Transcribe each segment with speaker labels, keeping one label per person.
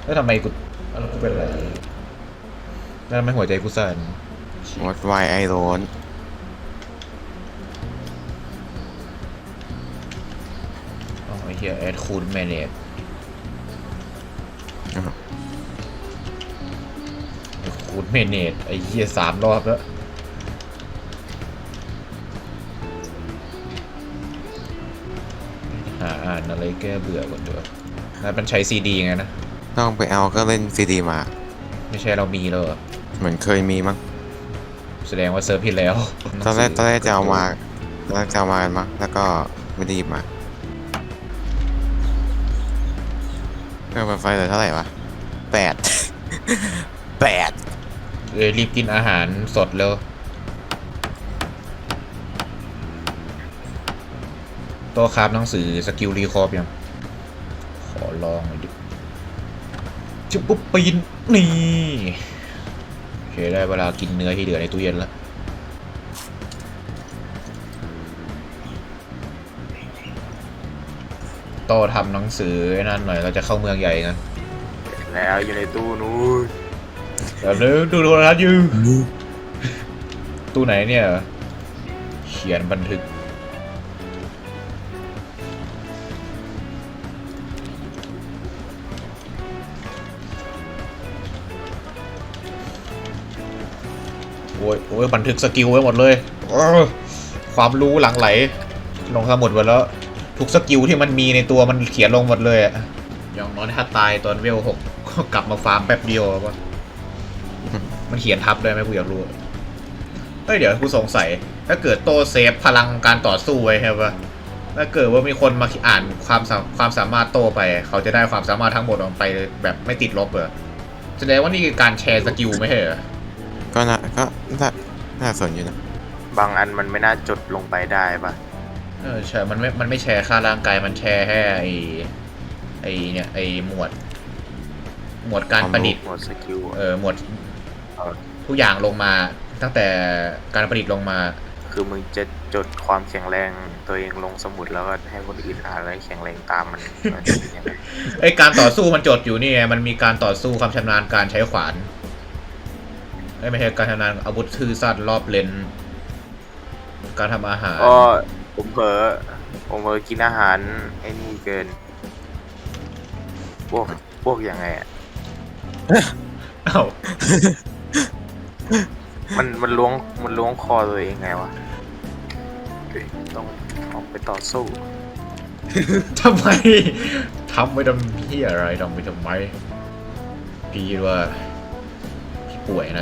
Speaker 1: แล้วทำไมกูเป็นอะไรแล้วทำไมหัวใจกูสั่น
Speaker 2: วัดไวไอโรน
Speaker 1: อ๋อไอ้เหี้ยแอดคูดแมเนจคูดแมเนจไอ้เหี้ย3 รอบแล้วหาอ่านอะไรแก้เบื่อก่อนดีกว่าแล้วมันใช้ซีดีไงนะ
Speaker 2: ต้องไปเอาก็เล่นซีดีมา
Speaker 1: ไม่ใช่เรามีแล้วเหรอ
Speaker 2: เหมือนเคยมีมั้ง
Speaker 1: แสดงว่าเซิร์ฟผิดแล้ว
Speaker 2: ตอนแรกจะเอามากันมั้งแล้วก็ไม่ได้หยิบมาเครื่องปั่นไฟเหลือเท่าไหร่วะ8 8
Speaker 1: รีบกินอาหารสดแล้วโต๊ะคราฟหนังสือสกิลรีคอร์บยังขอลองหน่อยดิจุ๊บปุ๊บปีนนี่โอเคได้เวลากินเนื้อที่เหลือในตู้เย็นแล้วโต๊ะทำหนังสือนั่นหน่อยเราจะเข้าเมืองใหญ่กัน
Speaker 3: แล้วอยู่ในตู้นู้น
Speaker 1: เดี๋ยวดูโทรทัศน์อยู่ตู้ไหนเนี่ยเขียนบันทึกโอ้ยบันทึกสกิลไว้หมดเลยความรู้หลั่งไหลลงสมุดหมดแล้วทุกสกิลที่มันมีในตัวมันเขียนลงหมดเลยอะอย่างน้อยถ้าตายตอนเวล 6ก็กลับมาฟาร์มแป๊บเดียววะมันเขียนทับได้ไหมกูอยากรู้เฮ้ยเดี๋ยวกูสงสัยถ้าเกิดโตเซฟพลังการต่อสู้ไว้ใช่ปะถ้าเกิดว่ามีคนมาอ่านความสามารถโตไปเขาจะได้ความสามารถทั้งหมดออกไปแบบไม่ติดลบเหรอแสดงว่านี่คือการแชร์สกิลไม่ใช่เหรอ
Speaker 2: ก็น่าสนอยู่นะ
Speaker 3: บางอันมันไม่น่าจดลงไปได้ปะ
Speaker 1: ใช่มันไม่แชร์ค่าร่างกายมันแชร์แค่ไอเนี่ยไอหมวดการประดิษฐ์
Speaker 3: หมดสกิล
Speaker 1: หมวดทุกอย่างลงมาตั้งแต่การประดิษฐ์ลงมา
Speaker 3: คือมึงจะจดความแข็งแรงตัวเองลงสมุดแล้วก็ให้คนอื่นอ่านแล้วแข็งแรงตามมันเป็นยังไง
Speaker 1: ไอการต่อสู้มันจดอยู่นี่ไงมันมีการต่อสู้ความชำนาญการใช้ขวานไม่ใช่การชำนาญอาวุธทื่อสั้นรอบเลนการทำอาหาร
Speaker 3: ก็ผมเผลอกินอาหารไอ้นี่เกินพวกยังไงอ่ะ
Speaker 1: เอ้า
Speaker 3: มันล้วงคอตัวเองไงวะต้องออกไปต่อสู้
Speaker 1: ทำไมทำไปทำที่อะไรทำไปทำไมพี่ว่าพี่ป่วยนะ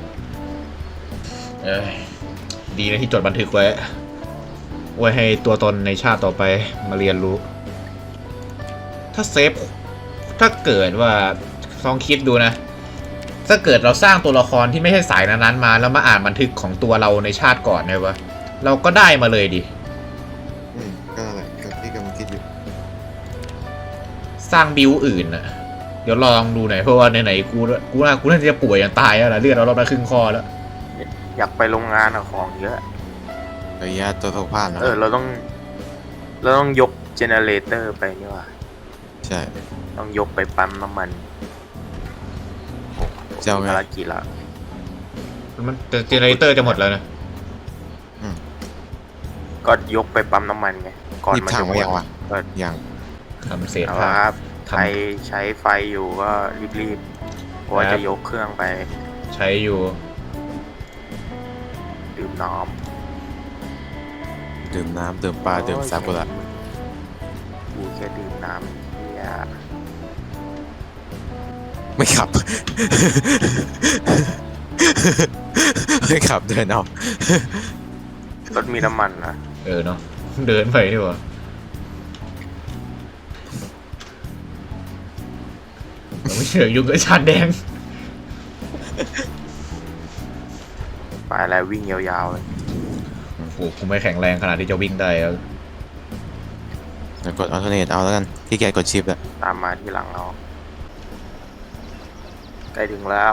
Speaker 1: ดีนะที่จดบันทึกไว้ให้ตัวตนในชาติต่อไปมาเรียนรู้ถ้าเซฟถ้าเกิดว่าลองคิดดูนะถ้าเกิดเราสร้างตัวละครที่ไม่ใช่สายนั้นๆมาแล้วมาอ่านบันทึกของตัวเราในชาติก่อนเนี่ยวะเราก็ได้มาเลยดิ
Speaker 2: ก็อะไรก็ที่กำลังคิดอยู่
Speaker 1: สร้างบิวอื่นนะเดี๋ยวลองดูหน่อยเพราะว่าไหนๆกูน่าจะป่วยอย่างตายแล้วนะเลือดเราไปครึ่งคอแล้ว
Speaker 3: อยากไปโรงงานของเยอะ
Speaker 2: ระยะตัวสุขภาพนะ
Speaker 3: เราต้องยกเจเนเรเตอร์ไปนี่ว่ะ
Speaker 2: ใช่
Speaker 3: ต้องยกไปปั๊มน้ำมัน
Speaker 2: เจ้าไง
Speaker 3: ภารกิจละ
Speaker 1: มันเจเนเรเตอร์จะหมดแล้วนะ
Speaker 3: ก็ยกไปปั๊มน้ำมันไงก่อนมันจะหมด
Speaker 2: ก็ยัง
Speaker 1: ทำเศษ
Speaker 3: ครับใช้ไฟอยู่ก็รีบๆเพราะว่าจะยกเครื่องไป
Speaker 1: ใช้อยู่
Speaker 3: ดื่มน้
Speaker 2: ดื่มปลาดื่มซากุระ
Speaker 3: กูแค่ดื่มน้ำเฮีย
Speaker 2: ไม่ขับ ไม่ขับเดินเอา
Speaker 3: รถมีน้ำมันนะ
Speaker 1: เนาะเดินไปดีกว่าไม่เชื่อยุ่งกับชาดแดง
Speaker 3: ไปแล้ววิ่งยาวๆเลย
Speaker 1: โอ้โหกูไม่แข็งแรงขนาดที่จะวิ่งได้แล้ว
Speaker 2: กดอัลเทอร์เนทเอาแล้วกันที่แกกดชิปแล้ว
Speaker 3: ตามมาที่หลังเราใกล้ถึงแล้ว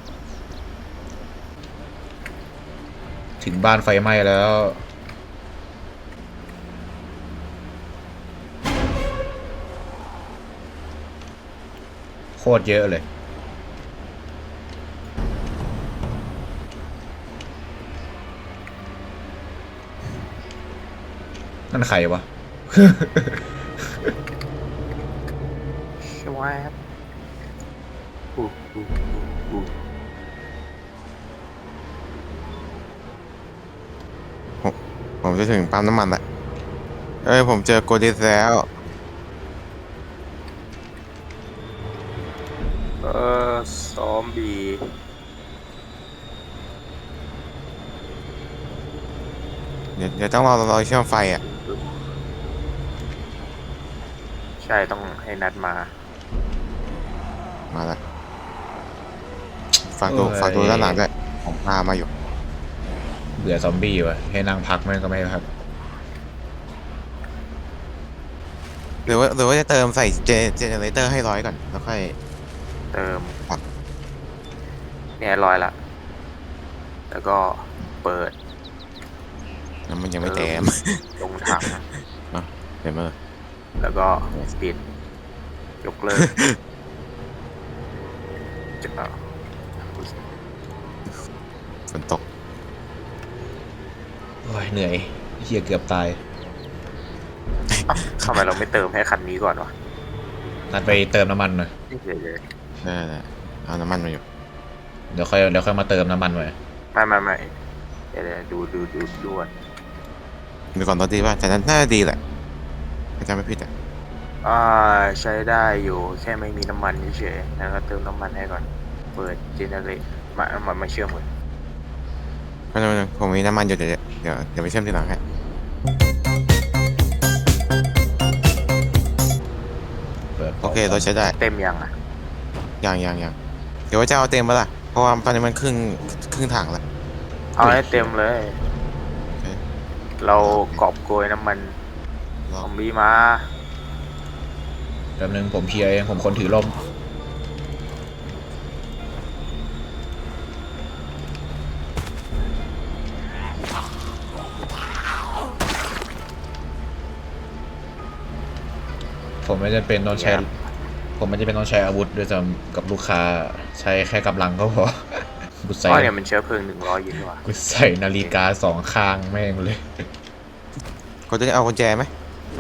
Speaker 1: ถึงบ้านไฟไหม้แล้วโคตรเยอะเลยนั่นใครวะ
Speaker 3: ชวบอู้อู้อู้
Speaker 2: ผมจะถึงปั๊มน้ำมันละเอ้ยผมเจอโกดิสแล้ว
Speaker 3: ซอมบี้
Speaker 2: เดี๋ยวต้องรอเชื่อมไฟอ่ะ
Speaker 3: ใช่ต้องให้นัดมา
Speaker 2: มาละฝากดูด้านหลังด้วยผมพามาอยู่
Speaker 1: เบื่อซอมบี้วะให้นั่งพักมันก็ไม่พัก
Speaker 2: หรือว่าจะเติมใส่เจเนเรเตอร์ให้100ก่อนแล้วค่อย
Speaker 3: เติม
Speaker 2: ครับ
Speaker 3: เนี่ยลอยละ แล้วก็เปิด
Speaker 2: แล้วมันยังไม่เต็ม
Speaker 3: ลงถัง
Speaker 2: เห็นไหม
Speaker 3: แล้วก็ปิด ยกเลิกจะ
Speaker 2: ฝนตก
Speaker 1: โอ้ยเหนื่อยเฮียเกือบตาย
Speaker 3: ทำไมเราไม่เติมให้คันนี้ก่อนวะ
Speaker 1: นัดไปเติมน้ำมันหน่อย
Speaker 3: เดี๋ยว
Speaker 2: ได้เอาน้ำมันมาอยู่
Speaker 1: เดี๋ยวค่อยมาเติมน้ำมันไว้
Speaker 3: ไม่เดี๋ยวดูก่อน
Speaker 2: ดูก่อนรถดีป่ะแต่นั้นน่าจะดีแหละถ้าจำไม่ผิดอ่ะ
Speaker 3: ใช้ได้อยู่แค่ไม่มีน้ำมันเฉยๆแล้วก็เติมน้ำมันให้ก่อน เปิดเจเนเรตมาเชื่อมเหมือน
Speaker 2: เพราะฉะนั้นผมมีน้ำมันอยู่เดี๋ยวไปเชื่อมทีหลังให้
Speaker 1: เปิด
Speaker 2: โอเครถใช้ได้
Speaker 3: เต็มยังอ่ะ
Speaker 2: ยังเดี๋ยวว่าจะเอาเต็มปะล่ะเพราะว่าตอนนี้มันครึ่งถังแล้ว
Speaker 3: เอาให้เต็มเลย
Speaker 2: โอเค
Speaker 3: เรากอบโกยน้ำมัน
Speaker 2: ร
Speaker 3: ซ
Speaker 2: อ
Speaker 3: อมบี้มา
Speaker 1: แป๊บนึงผมเพลียเองผมคนถือร่มผมไม่จำเป็นต้องใช้ ผมไม่จำเป็นต้องใช้อาวุธด้วยซ้ำกับลูกค้าใช้แค่กำลังก็พอ กูใส่
Speaker 3: อ๋อเนี่ยมันเชื้อเพลิง100อยู่นี่หว่า
Speaker 1: กูใส่นาฬิกา2 ข้างแม่งเลย
Speaker 2: ก็จะเอากุญแจไหม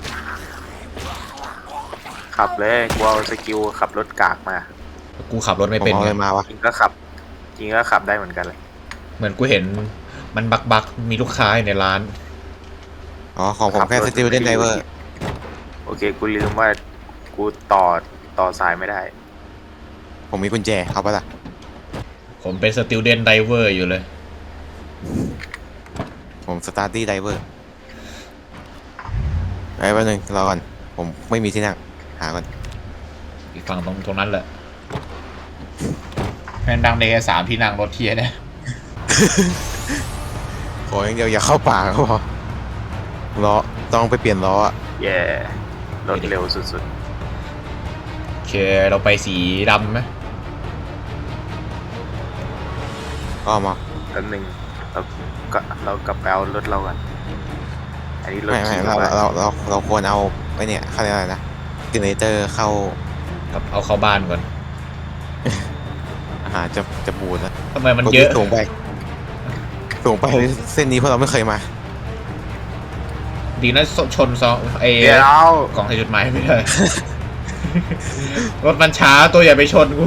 Speaker 3: ขับเลยกูเอาสกิลขับรถกากมา
Speaker 1: กูขับรถ
Speaker 2: ผ
Speaker 1: ไม่
Speaker 2: ม
Speaker 1: เป็น
Speaker 2: เอา
Speaker 1: ไง
Speaker 2: อะไรมาวะ
Speaker 3: จริงก็ขับได้เหมือนกันเลย
Speaker 1: เหมือนกูเห็นมันบักมีลูกค้าอยู่ในร้าน
Speaker 2: อ๋อของผมแค่สติลเดนไดเวอร์
Speaker 3: โอเคกูลืมว่ากูต่อสายไม่ได้
Speaker 2: ผมมีกุญแจเอาปะล่ะ
Speaker 1: ผมเป็นสติลเดนไดเวอร์อยู่เลย
Speaker 2: ผมสตาร์ดี้ไดเวอร์ไอ้แป๊บนึงรอก่อนผมไม่มีที่นั่งหาก่อน
Speaker 1: อีกฝั่งตรงนั้นแหละแม่งดังในแค่3 ที่นั่งรถเทียเนี่ย
Speaker 2: ขออย่างเดียวอย่าเข้าป่าก็พอล้อต้องไปเปลี่ยนล้ออะ
Speaker 3: แย่รถเร็วสุด
Speaker 1: โอเคเราไปสีดำไหม
Speaker 2: ก็มา
Speaker 3: ๆแล้วหนึ่งเรากลับไปเอารถเรากันอันนี้รถ
Speaker 2: ไม่
Speaker 3: ขี่
Speaker 2: เราควรเอาไอ้เนี่ยเขาเรียกอะไรนะเจเนเรเตอร์เข้า
Speaker 1: กับเอาเข้าบ้านก่อน
Speaker 2: อาหารจะบูดแล้ว
Speaker 1: ทำไมมันเยอะ
Speaker 2: สูงไปเส้นนี้เพราะเราไม่เคยมา
Speaker 1: ดีนะชนซองไอ้
Speaker 3: เดี๋ยว
Speaker 1: กล่องใส่จดหมายไม่ได้ รถมันช้าตัวอย่าไปชนกู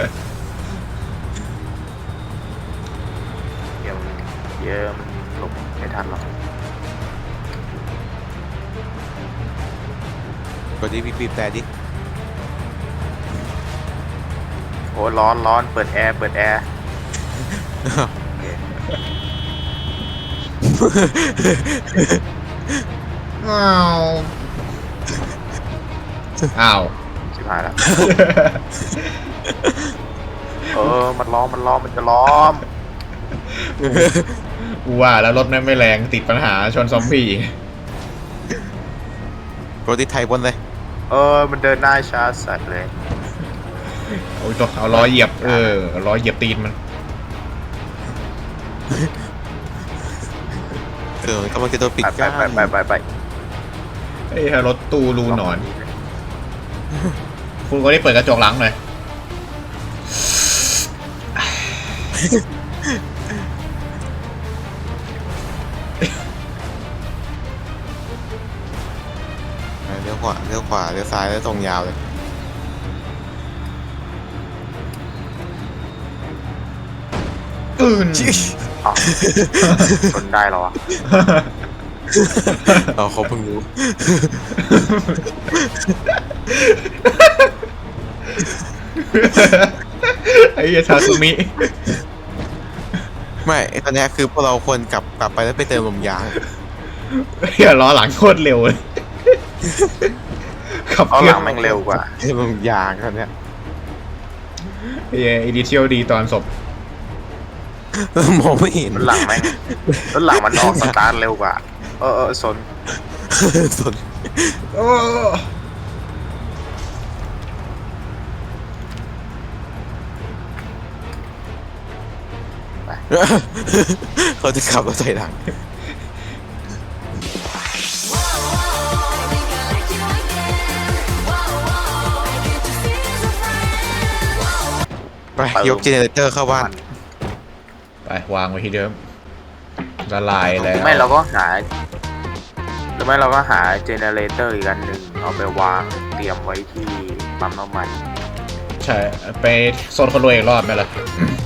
Speaker 3: เดี๋ยวมันหลบไม่ทันหรอก
Speaker 2: ก็ดีบีบแต่ดิ
Speaker 3: โอ้ร้อนเปิดแอร์
Speaker 1: อ้าว
Speaker 3: ชิบหายแล้ว มันล้อมมันจะล้อม
Speaker 1: กูว่าแล้วรถไม่แรงติดปัญหาชนซอมบี้
Speaker 2: โรดิไทยบนเลย
Speaker 3: มันเดินหน้าช้าสัตว์เลย
Speaker 1: โอ้ยตัวเอาล้อเหยียบเอาล้อเหยียบตีนมัน
Speaker 2: กำลังจะโดนปิดกั้น
Speaker 3: ไป
Speaker 1: ไอ้รถตู้รูหนอน คุณก็ได้เปิดกระจกหลังหน่อย
Speaker 2: เลี้ยวขวาเลี้ยวขวาเลี้ยวซ้ายแล้วตรงยาวเลย
Speaker 1: อื่น
Speaker 3: อ้าวชนได้เหรอวะ
Speaker 2: เราเขาเพิ่งรู้
Speaker 1: ไอ้เหี้ยทาซุมิ
Speaker 2: ไม่ไอ้ตอนเนี้ยคือพวกเราควรกลับไปแล้วไปเติมลมยาง
Speaker 1: เหี้ยล้อหลังโคตรเร็วเลยขับ
Speaker 3: เอา
Speaker 1: เค
Speaker 3: ห
Speaker 1: รื่
Speaker 3: ลังแม่งเร็วกว่า
Speaker 2: เติมลมยางตอนเนี้ย
Speaker 1: ไอ้อีดิเชียลดีตอนศพ
Speaker 2: มองไม่เห็น
Speaker 3: รถหลังแม่งรถหลังมันออกสตาร์ทเร็วกว่า สน
Speaker 2: สน
Speaker 1: โอ้
Speaker 2: เขาจะขับรถถอยหลัง ไปยกเจเนเรเตอร์เข้าบ้าน
Speaker 1: ไปวางไว้ที่เดิมละลายแล้ว
Speaker 3: ไม่เราก็หาหรือไม่เราก็หาเจเนเรเตอร์อีกอันหนึ่งเอาไปวางเตรียมไว้ที่ปั๊มน้ำมัน
Speaker 1: ใช่ไปโซนคนรวยอีกรอบไหมล่ะ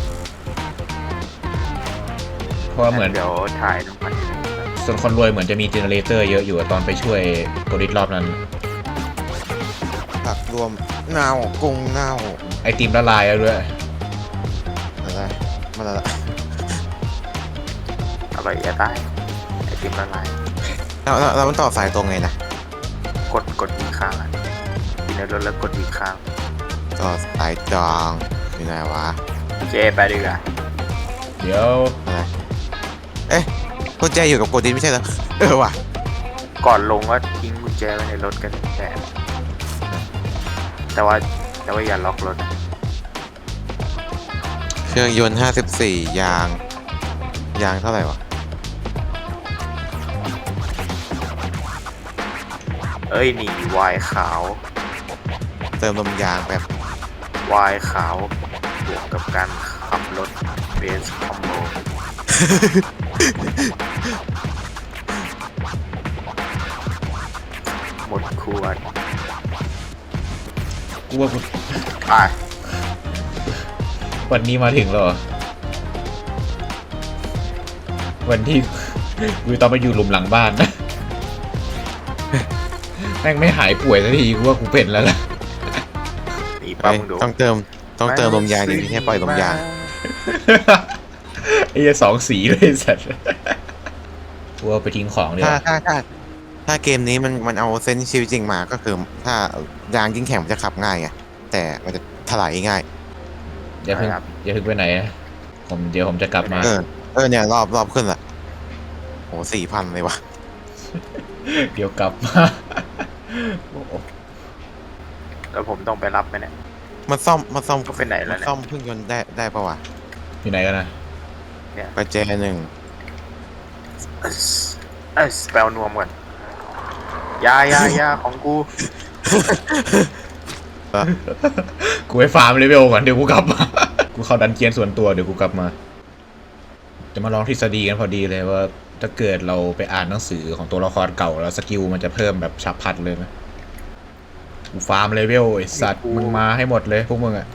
Speaker 1: เพราะว่าเหมือน
Speaker 3: เดี๋ยวถ่ายน้ำมัน
Speaker 1: โซนคนรวยเหมือนจะมีเจเนเรเตอร์เยอะอยู่อะตอนไปช่วยโกดิสรอบนั้น
Speaker 2: ผักรวมเน่ากุ้งเน่า
Speaker 1: ไอติมละลายแล้วด้วย
Speaker 2: อะไรมาละ
Speaker 3: อร่อยจะได้ไอติมละลาย
Speaker 2: เรามันต่อสายตรงไงนะ
Speaker 3: กดอีกข้างอ่ะอยู่ในรถแล้วกดอีกข้าง
Speaker 2: ต่อสายจองอยู่ไหนวะ
Speaker 3: เจไปดีกว่า
Speaker 1: เดี๋ยว
Speaker 2: อะไรเอ๊ะกุญแจอยู่กับโกดินไม่ใช่เหรอว่ะ
Speaker 3: ก่อนลงก็ทิ้งกุญแจไว้ในรถกันแต่ว่าอย่าล็อกรถ
Speaker 2: เครื่องยนต์54 ยางเท่าไหร่วะ
Speaker 3: เอ้ยนี่วายขาว
Speaker 2: เติมลมยางแบบ
Speaker 3: วายขาวบวกกับการขับรถเบสคอมโบหมดขวด
Speaker 1: กูว่ากู
Speaker 3: ไป
Speaker 1: วันนี้มาถึงแล้วเหรอวันที่กูต้องไปอยู่หลุมหลังบ้านนะแม่งไม่หายป่วยสักทีกูว่ากูเป็นแล้วล่ะ
Speaker 3: นี่ปั๊มมึงดู
Speaker 2: ต้องเติมลมยางดีไม่ใช่ปล่อยลมยาง
Speaker 1: ไอ้เหี้ยสองสีเลยไอ้สัตว์กูเอาไปทิ้งของเดี๋ยว
Speaker 2: ถ้าเกมนี้มันเอาเซนส์ชีวิตจริงมาก็คือถ้ายางยิ่งแข็งมันจะขับง่ายไงแต่มันจะถลายง่าย
Speaker 1: อย่าเพิ่งไปไหนนะเดี๋ยวผมจะกลับมา
Speaker 2: เนี่ยรอบขึ้นละโห4,000เลยวะ
Speaker 1: เดี๋ยวกลับมาโอ้โห
Speaker 3: แล้วผมต้องไปรับไหมเนี่ย
Speaker 2: มันซ่อม
Speaker 3: ก็ไปไหนแล้วเนี่ย
Speaker 2: ซ่อมเครื่องยนต์ได้ปะวะ
Speaker 1: อยู่ไหนกันนะ
Speaker 2: ประแจ1
Speaker 3: แปลนวมก่อนยาของกู
Speaker 1: กูไปฟาร์มเลเวลก่อนเดี๋ยวกูกลับมา กูเข้าดันเจียนส่วนตัวเดี๋ยวกูกลับมา จะมาลองทฤษฎีกันพอดีเลยว่าถ้าเกิดเราไปอ่านหนังสือของตัวละครเก่าแล้วสกิลมันจะเพิ่มแบบฉับพลันเลยไหมกูฟาร์มเลเวลไอสัตว์มึงมาให้หมดเลยพวกมึงอะ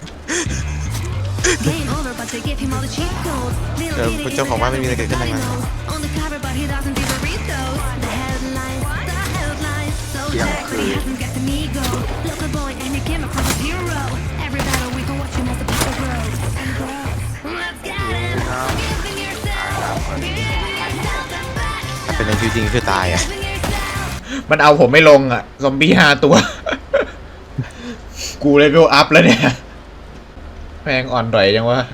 Speaker 4: Game over, but they give him all the cheat codes. Little
Speaker 2: คุณ
Speaker 4: kitty
Speaker 2: เจ้าของบ้านไม่มีอะไรเกิดขึ้น
Speaker 4: is
Speaker 2: ทั้งนั้น
Speaker 4: on the cover, but he doesn't do the retos. The headlines, so
Speaker 3: Yeah.
Speaker 4: jacked, but he hasn't got the ego. Local boy, and he came across a hero. Every battle we go watch him as the power grows. Let's get it. Giving yourself, giving yourself the best.
Speaker 2: ถ้าเป็นในชีวิตจริงคือตายอ่ะ
Speaker 4: Giving yourself.
Speaker 1: มันเอาผมไม่ลงอะซอมบี้5 ตัว กูเลเวลอัพแล้วเนี่ยแม่งอ่อนดอยจังวะ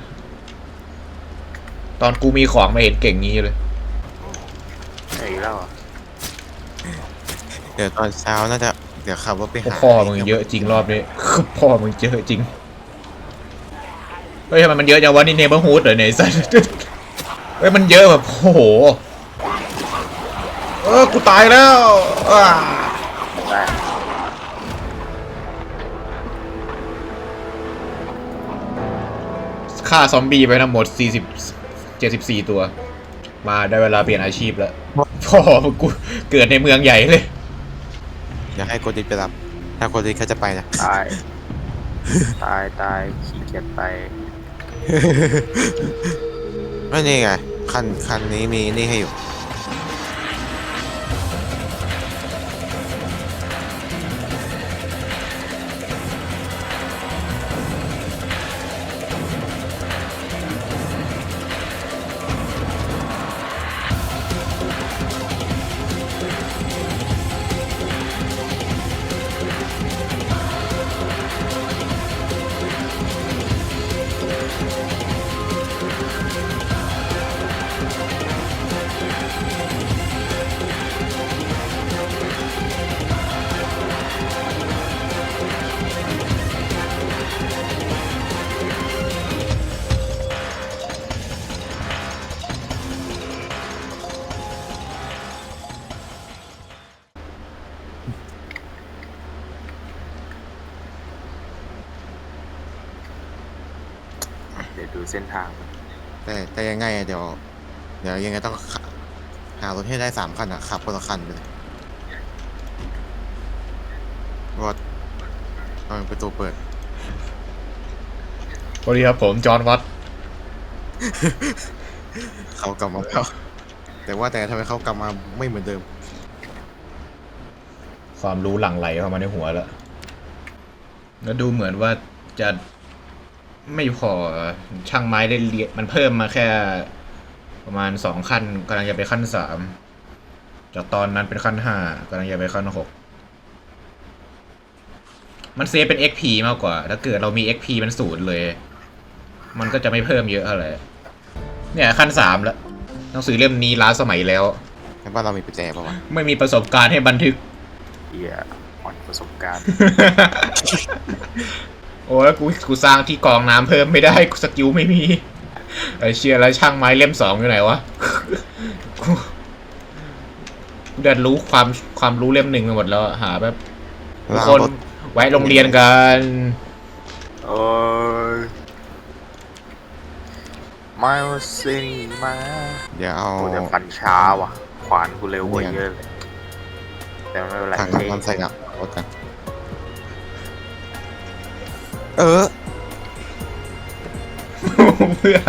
Speaker 1: ตอนกูมีของไม่เห็นเก่งงี้เลย
Speaker 3: อีกแล้วเหรอ
Speaker 2: เดี๋ยวตอนเช้าน่าจะเดี๋ยวขับรถไปหา
Speaker 1: พ่อมึงเยอะจริงรอบนี้ พ่อมึงเยอะจริง เฮ้ยทำไมมันเยอะจังวะนี่เนเบอร์ฮูดเหรอเนี่ยไอ้สัส เฮ้ยมันเยอะแบบโอ้โหกูตายแล้วอ้า
Speaker 3: ได้
Speaker 1: ฆฆ่าซอมบี้ไปทั้งหมด74 ตัว มาได้เวลาเปลี่ยนอาชีพแล้วพ่อกูเกิดในเมืองใหญ่เลย
Speaker 2: อยากให้โกดิไปรับ ถ้าโกดิเขาจะไปนะ
Speaker 3: ตาย ตายขี้เกียจไป
Speaker 2: ไม่นี่ไงคันนี้มีนี่ให้อยู่
Speaker 3: เดี๋ยวดูเส้นทางมัน
Speaker 2: แต่ยังไงอะเดี๋ยวยังไงต้องหารถให้ได้3 คันอะขับคนละคันไปเลยรถเอาประตูเปิด
Speaker 1: สวัสดีครับผมจอห์นวัต
Speaker 2: เขากลับมาแล้วแต่ทำไมเขากลับมาไม่เหมือนเดิม
Speaker 1: ความรู้หลั่งไหลเข้ามาในหัวแล้ว แล้วดูเหมือนว่าจะไม่พอช่างไม้ได้เรียนมันเพิ่มมาแค่ประมาณ2 ขั้นกำลังจะไปขั้น3จากตอนนั้นเป็นขั้น5กำลังจะไปขั้น6มันเซฟเป็น XP มากกว่า ถ้าเกิดเรามี XP มัน0เลย มันก็จะไม่เพิ่มเยอะอะไรเนี่ยขั้น3แล้วหนังสือเล่มนี้ล้าสมัยแล้ว
Speaker 2: ในบ้านเรามีประแจป่าวะ
Speaker 1: ไม่มีประสบการณ์ให้บันทึก
Speaker 3: เหี้ยอ่อนประสบการณ์
Speaker 1: โอ้แล้วกูสร้างที่กรองน้ำเพิ่มไม่ได้กูสกิลไม่มีไอเชียแล้วช่างไม้เล่ม2อยู่ไหนวะ กูเดินรู้ความรู้เล่ม1ไปหมดแล้วอะหาแบบทุก
Speaker 2: เรา
Speaker 1: คน
Speaker 2: รถ
Speaker 1: ไว้โรงเรียนกัน
Speaker 3: โอ้ยมาสิมา
Speaker 2: เดี๋ยวเอา
Speaker 3: กูจะฟันช้าว่ะ ขวานกูเร็วกว่าเยอะเลย แต่ไม่เป็นไร
Speaker 2: ถัง
Speaker 3: เท่
Speaker 2: น้ำมันใส่หนักรถกัน
Speaker 1: เพื่อ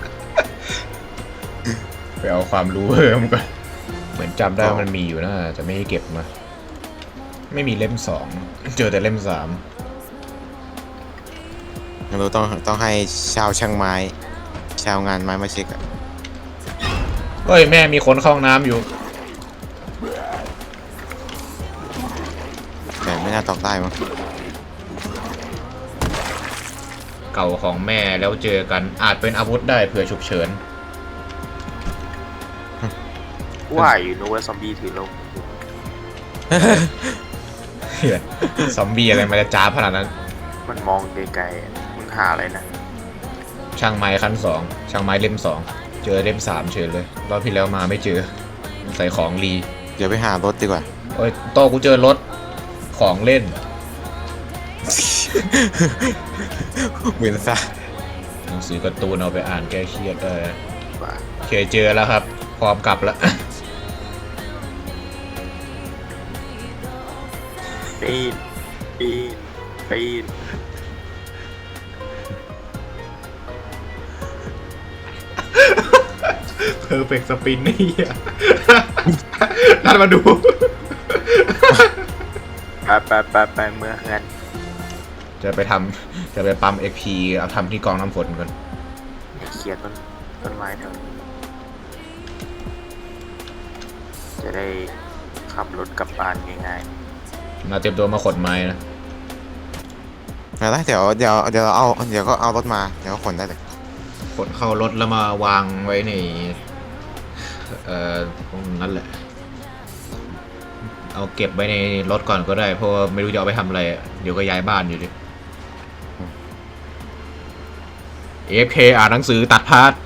Speaker 1: ไปเอาความรู้เพิ่มก่อนเหมือนจำได้ว่ามันมีอยู่นะจะไม่ให้เก็บมา ไม่มีเล่ม2เจอแต่เล่ม3
Speaker 2: เราต้องให้ชาวช่างไม้ ชาวงานไม้มาเช็คอะ
Speaker 1: เฮ้ยแม่มีคนเข้าห้องน้ำอยู่
Speaker 2: แต่ไม่น่าตอกได้มั้ง
Speaker 1: เก่าของแม่แล้วเจอกันอาจเป็นอาวุธได้เผื่อฉุกเฉิน
Speaker 3: ว่าอยู่นึกว่าซอมบี้ถือลง
Speaker 1: เหี้ยซอมบี้อะไรมันจะจ้าบขนาดนั้น
Speaker 3: มันมองไกลๆมึงหาอะไรนะ
Speaker 1: ช่างไม้ขั้น2ช่างไม้เล่ม2เจอเล่ม3เฉยเลยรอบที่แล้วมาไม่เจอใส่ของรี
Speaker 2: เดี๋ยวไปหารถดีกว่า
Speaker 1: โอ้ยโตกูเจอรถของเล่น
Speaker 2: เหมือนซะ
Speaker 1: หนังสือการ์ตูนเอาไปอ่านแก้เครียดได้
Speaker 3: ว่า
Speaker 1: โอเคเจอแล้วครับ พร้อมกลับแล้ว
Speaker 3: ปีนปีน
Speaker 1: เพอร์เฟกต์สปินนี่อ่ะ นั่นมาดู
Speaker 3: ไปเมื่องั้น
Speaker 1: จะไปปั๊ม XP เอาทำที่กองน้ำฝนก่อน
Speaker 3: เคลียร์ต้นไม้แถวนี้จะได้ขับรถกลับบ้านง่าย
Speaker 1: มาเตรียมตัวมาขนไม้นะ
Speaker 2: เดี๋ยวก็เอารถมาเดี๋ยวก็ขนได้เลย
Speaker 1: ขนเข้ารถแล้วมาวางไว้ในตรงนั้นแหละ เอาเก็บไว้ในรถก่อนก็ได้เพราะว่าไม่รู้จะเอาไปทำอะไรอะเดี๋ยวก็ย้ายบ้านอยู่ดิ AFK อ่านหนังสือตัดพาร์ท